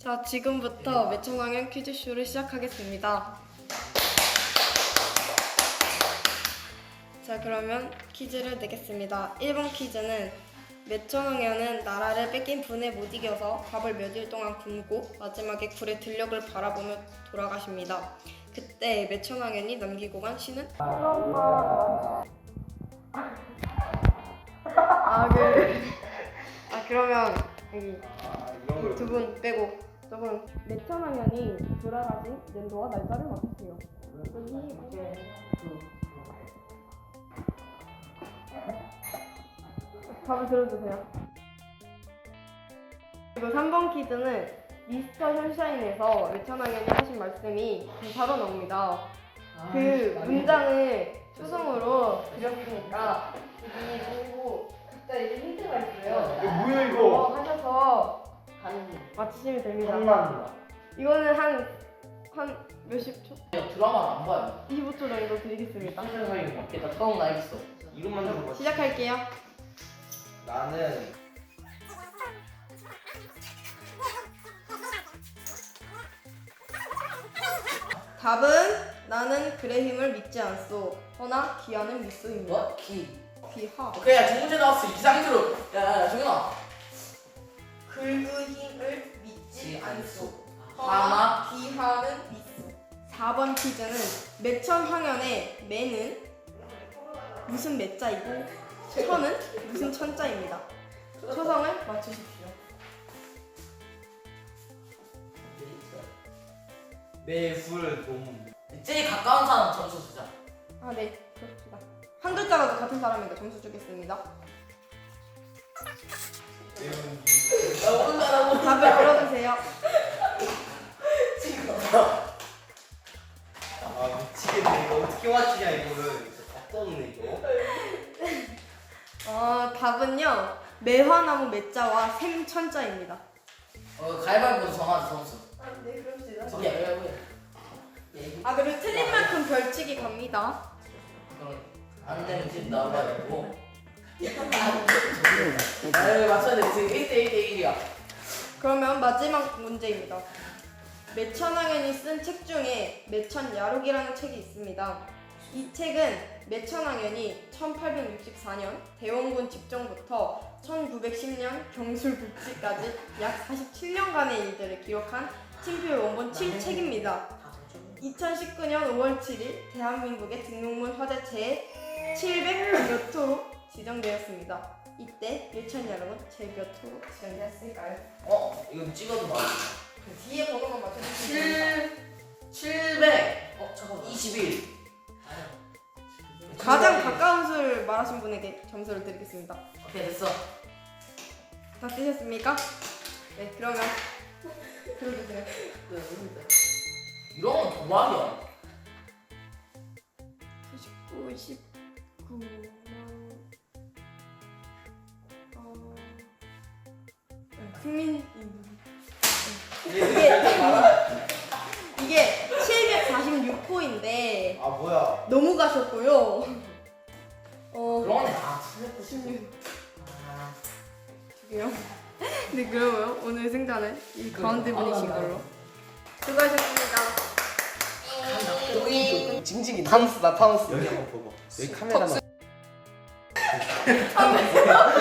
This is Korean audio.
자, 지금부터 매천왕연 퀴즈쇼를 시작하겠습니다. 자, 그러면 퀴즈를 내겠습니다. 1번 퀴즈는 매천왕연은 나라를 뺏긴 분에 못 이겨서 밥을 몇 일 동안 굶고 마지막에 굴의 들녘을 바라보며 돌아가십니다. 그때 매천왕연이 남기고 간 시는? 그러면 여기 두 분 빼고 저분 매천왕연이 돌아가신 연도와 날짜를 맞추세요. 답을 들어주세요. 그리고 3번 퀴즈는 미스터 선샤인에서 매천왕연이 하신 말씀이 바로 나옵니다. 그 문장을 초성으로 드렸으니까 여기 보고 각자 이제 힌트가 있어요. 이거 뭐야 이거? 하셔서 맞히시면 됩니다. 장난이다. 이거는 한 몇십 초? 드라마를 안 봐요. 25초 정도 드리겠습니다. 세상에 맞겠다. 처음 알겠어. 이름만 들어봤어. 시작할게요. 나는 답은 나는 글의 힘을 믿지 않소. 허나 기하는 믿소입니다. 뭐? 기. 기하. 그래, 두 문제 나왔어. 이 상태로. 야, 정현아. 글의 힘을 믿지 않소. 하나. 기하는 믿소. 4번 퀴즈는 매천황연의 매는 무슨 매자이고 천은 무슨 천자입니다. 초성을 맞추십시오. 매불돔. 제일 가까운 사람 점수 주자. 아, 네. 그렇습니다. 한 글자라도 같은 사람에게 점수 주겠습니다. 나 오른다라고. 답을 들어주세요. 아 미치겠네. 이거 어떻게 맞추냐 이거를. 진짜 답도 없네 이거. 답은요. 매화나무 매자와 샘천자입니다. 가위바위보 정하자, 점수. 네, 그럽시다. 야, 그리고 틀린 만큼 벌칙이 갑니다. 그럼 안 되면 집 나와가지고. 아, 맞춰야 돼. 지금 1대1이야. 그러면 마지막 문제입니다. 매천왕연이 쓴 책 중에 매천야록이라는 책이 있습니다. 이 책은 매천왕연이 1864년 대원군 집정부터 1910년 경술국지까지 약 47년간의 일들을 기록한 친필 원본 7책입니다. 2019년 5월 7일 대한민국의 등록문 화제체에 700몇 호로 지정되었습니다. 이때 매천야록은 제 몇 호로 지정되었을까요? 이거 찍어도 봐. 그 뒤에 번호만 맞춰주시면 됩니다. 700. 잠깐만. 21. 가장 가까운 수를 말하신 분에게 점수를 드리겠습니다. 오케이, 됐어. 다 쓰셨습니까? 네, 그러면 들어주세요. 이런 건 도박이야. 99, 19만 국민입니다. 이게 746호인데 아 뭐야? 너무 가셨고요. 그러네. 796. 16 두개요. 네, 그러면 오늘 승자는 이 가운데 분이신 걸로. 수고하셨습니다. 징징이 타노스다 타노스. 여기 한번 보고. 여기 카메라만.